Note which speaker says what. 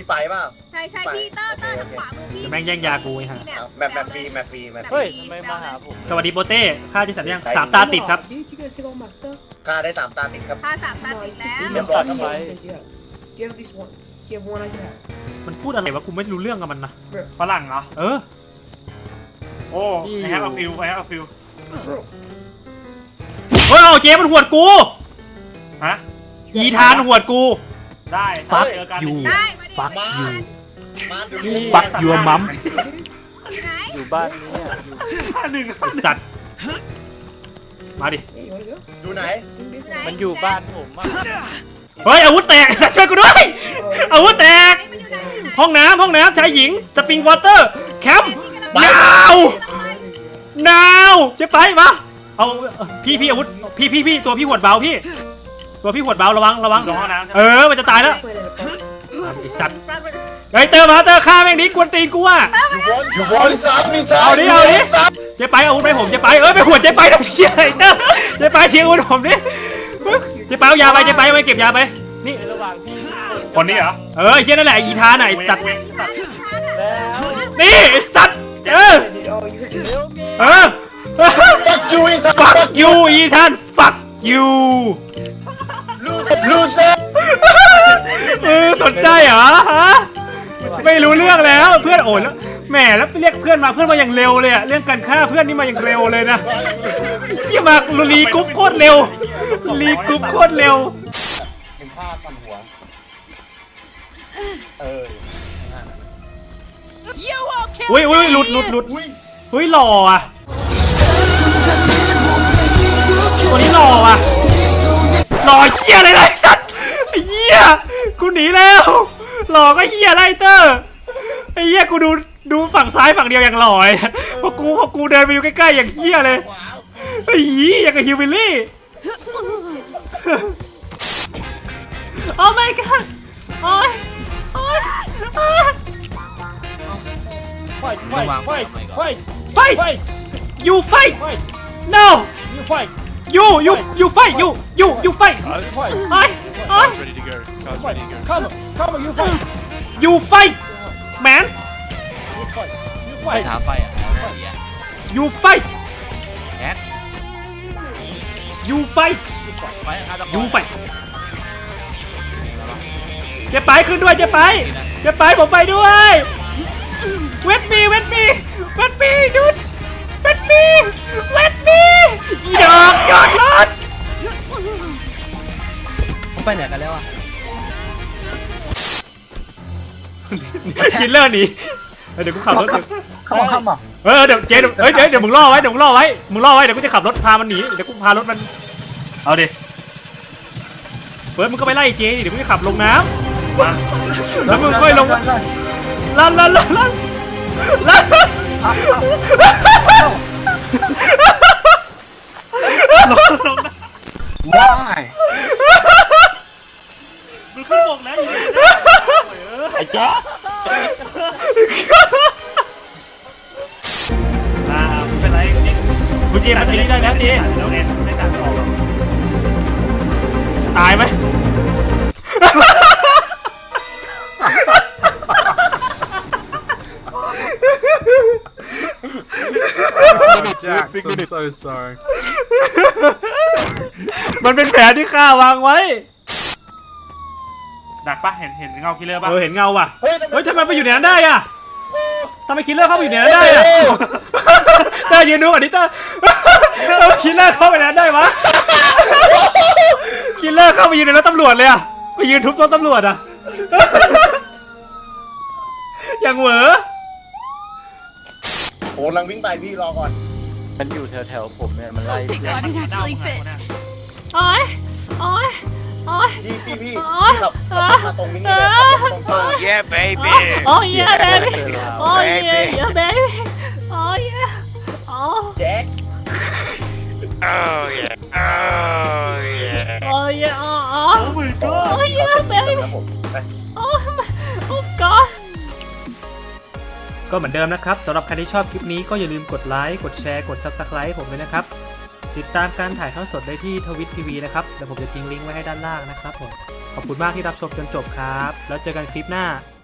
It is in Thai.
Speaker 1: พี่ไปเปล่า
Speaker 2: ใช่พี่เตอร์ทางขวามือพี่
Speaker 3: แม่งแย่งยากูไอ้ห่า
Speaker 1: แบบฟรี
Speaker 4: เฮ้ยทำไมมาหาผม
Speaker 3: สวัสดีโปเต้ค่าที่สัตว์ยัง3 ตาติดครับ
Speaker 5: Dude, you gotta take all my stuff.
Speaker 1: กล้าได้3 ตาติดครับ
Speaker 2: พา3 ตาติดแล้ว
Speaker 1: เรียบร้อยครับผม
Speaker 5: Yeah. You have at least one. You have one I can have.
Speaker 3: มันพูดอะไรวะกูไม่รู้เรื่องกับมันนะ
Speaker 6: ฝรั่งเหรอ
Speaker 3: เออ
Speaker 6: โอ้ไอ้แฮปเอาฟิลไอ้แฮปเอาฟิล
Speaker 5: Bro.
Speaker 3: เฮ้ยเอาเจ๊มันหวดกู
Speaker 6: ฮะ
Speaker 3: อีธานหวดกู
Speaker 6: ได้
Speaker 3: ฟัก
Speaker 6: เจอกัน
Speaker 3: ยู
Speaker 2: ได้มาดิ
Speaker 3: ฟัก
Speaker 1: มา
Speaker 3: ยู
Speaker 1: มาดูนี่
Speaker 3: ฟักยูมัม
Speaker 2: ไหน
Speaker 4: อยู่บ้านนี้อะอยู่
Speaker 6: หนึ่ง
Speaker 3: ไอ้สัตว์มาดิ
Speaker 5: Hey, you wanna go?
Speaker 1: ดูไหน
Speaker 4: มันอยู่บ้านผมอะ
Speaker 3: เฮ้ยอาวุธแตก ช่วยกูด้วยอาวุธแตก
Speaker 2: มันอยู่ไหน
Speaker 3: ห้องน้ำชายหญิงสปริงวอเตอร์แคมป์หนาวจะไปปะเอาพี่อาวุธพี่ตัวพี่หวดเบาพี่ ตัวพี่หวดเบาระวัง
Speaker 6: ลงห้องน้ำใช่ไหม
Speaker 3: มันจะตายแล้ว
Speaker 5: Played in a park.
Speaker 3: ไอสัตว์ไอเตอร์มาเตอร์ฆ่าแม่งนี้กวนตีนกูอ่ะ
Speaker 1: อยู่บนซับมีซับ
Speaker 3: เอาดิเจ๊ไปอาวุธไปผมเจ๊ไปไปหวดเจ๊ไปทำเชี่ยไอเตอร์เจ๊ไปเทียงอาวุธผมดิเจ๊ไปเอายาไปเจ๊ไปเก็บยาไปนี่
Speaker 4: ในระหว่างพี่
Speaker 6: คนนี้เหรอ
Speaker 3: ไอ้เชี่ยนั่นแหละอีธานไอสัตว์
Speaker 4: แล้ว
Speaker 3: นี่ไอสัตว์
Speaker 5: Dude, oh, you hurt your
Speaker 1: ฟักยูอินซับ
Speaker 3: fuck you อีธาน fuck you
Speaker 1: ลูเซอร์
Speaker 3: สนใจเหรอฮะไม่รู้เรื่องแล้วเพื่อนโอนแล้วแหมแล้วเรียกเพื่อนมาอย่างเร็วเลยอะเรื่องการฆ่าเพื่อนนี่มาอย่างเร็วเลยนะที่มารีกรุ๊ปโคตรเร็วรีกรุ๊ปโคตรเร็ว
Speaker 1: เป็นผ้าฟันหัวเออ
Speaker 3: อุ้ยหลุด
Speaker 1: อุ้ย
Speaker 3: อุ้ยหล่ออ่ะตัวนี้หล่ออ่ะหล่อเหี้ยอะไรเลยสัตว์ไอ้เหี้ยกูหนีแล้วหล่อก็เหี้ยไรเตอร์ไอ้เหี้ยกูดูฝั่งซ้ายฝั่งเดียวอย่างหล่อเลยพอกูเดินไปดูใกล้ๆอย่างเหี้ยเลยไอ้เหี้ยอย่างกับฮิววิลลี่ โอ้ my god โอ้ย
Speaker 4: ไฟ
Speaker 3: fight you fight no
Speaker 4: fight
Speaker 3: you fight you fight ไอ้
Speaker 7: Ready to go. Car's ready to go.
Speaker 4: come you fight
Speaker 3: you fight man
Speaker 4: you fight
Speaker 8: ถามไปอ่ะเอาได้ดีอ่ะ
Speaker 3: you fight
Speaker 8: แอค
Speaker 3: you fight
Speaker 8: ไปฆาตกร
Speaker 3: you fight เจ๊ไปขึ้นด้วยเจ๊ไปผมไปด้วยเวทมีดูดเวทมีอีดอกยอดรถ
Speaker 8: ไปไหนกันแล้วอ่ะ
Speaker 3: คิลเลอร์หนีเดี๋ยวกูขับรถ
Speaker 8: เข้ามา
Speaker 3: เดี๋ยวเจ๊เดี๋ยวมึงล่อไว้เดี๋ยวกูจะขับรถพามันหนีเดี๋ยวกูพารถมันเอาดิเฟิร์สมึงก็ไปไล่เจ๊เดี๋ยวมึงจะขับลงน้ำมาแล้วมึงค่อยลงลั่น
Speaker 1: ว้าย
Speaker 3: มึงขึ้นบกแล้วอยู่ไอ้เจ๊
Speaker 6: ไม่เป็นไรเนี่ย
Speaker 3: มึงเจ๊มันนี้ได้แล้วเจ๊
Speaker 6: แล้วไงไม่ตัดออกหรอก
Speaker 3: ตายไหม
Speaker 7: Jack, I'm so sorry.
Speaker 3: มันเป็นแผนที่ข้าวางไว้
Speaker 6: ดักปะเห็นเงาคิลเลอร์ปะ
Speaker 3: เห็นเงาว่ะเฮ้ยทำไมไปอยู่ในนั้นได้อะทำไมคิลเลอร์เข้าไปอยู่ในนั้นได้อะเต้ยืนดูก่อนดิเต้ทำไมคิลเลอร์เข้าไปในนั้นได้วะคิลเลอร์เข้าไปยืนในรถตำรวจเลยอะไปยืนทุบรถตำรวจอะอย่างเหวอ
Speaker 1: โอ้ลังวิ่งไปพี่รอก่อน
Speaker 4: มันอยู่แถวผมเนี่ยมันไล่
Speaker 2: Thank God it actually fits
Speaker 3: โอ้ย
Speaker 1: พี่ขับมาตรงนี้เลยตรง
Speaker 8: Yeah baby
Speaker 3: โอ้ยเย้เบบี้โอ้ยเย้เบบี้โอ้ยโอ้
Speaker 1: แจ็ค
Speaker 8: oh yeah oh yeah
Speaker 3: โอ้ยโอ้โอ้ยเย้เบบี้
Speaker 1: ครับผมไป
Speaker 3: โอ้ก็เหมือนเดิมนะครับสำหรับใครที่ชอบคลิปนี้ก็อย่าลืมกดไลค์กดแชร์กด Subscribe ผมด้วยนะครับติดตามการถ่ายทอดสดได้ที่ทวิตทีวีนะครับเดี๋ยวผมจะทิ้งลิงก์ไว้ให้ด้านล่างนะครับผมขอบคุณมากที่รับชมจนจบครับแล้วเจอกันคลิปหน้า